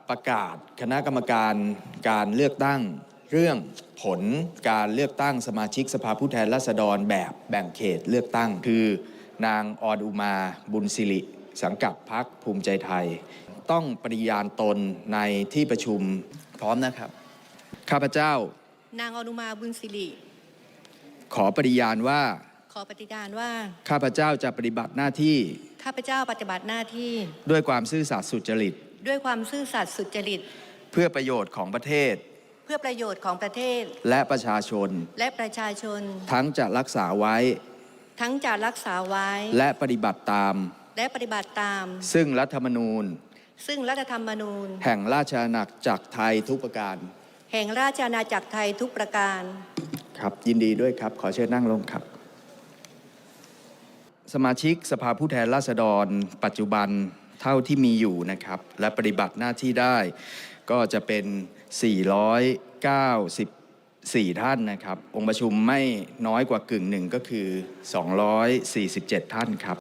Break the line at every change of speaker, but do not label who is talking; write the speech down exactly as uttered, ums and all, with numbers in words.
ประกาศคณะกรรมการการเลือกตั้งเรื่องผลการเลือกตั้งสมาชิกสภาผู้แทนราษฎรแบบแบ่งเขตเลือกตั้งคือนางออนอุมาบุญสิริสังกัดพรรคภูมิใจไทยต้องปฏิญาณตนในที่ประชุมพร้อมนะครับข้าพเจ้าน
างออนอุมาบุญสิริ
ขอปฏิญาณว่า
ขอปฏิญาณว่า
ข้าพเจ้าจะปฏิบัติหน้าที่
ข้าพเจ้าปฏิบัติหน้าที่
ด้วยความซื่อสัตย์สุจริต
ด้วยความซื่อสัตย์สุจริต
เพื่อประโยชน์ของประเทศ
เพื่อประโยชน์ของประเทศ
และประชาชน
และประชาชน
ทั้งจะรักษาไว้
ทั้งจะรักษาไว้
และปฏิบัติตาม
และปฏิบัติตาม
ซึ่งรัฐธรรมนูญ
ซึ่งรัฐธรรมนูญ
แห่งราชอาณาจักรไทยทุกประการ
แห่งราชอาณาจักรไทยทุกประการ
ครับยินดีด้วยครับขอเชิญนั่งลงครับสมาชิกสภาผู้แทนราษฎรปัจจุบันเท่าที่มีอยู่นะครับและปฏิบัติหน้าที่ได้ก็จะเป็นสี่ร้อยเก้าสิบสี่ท่านนะครับองค์ประชุมไม่น้อยกว่ากึ่งหนึ่งก็คือสองร้อยสี่สิบเจ็ดท่านครับ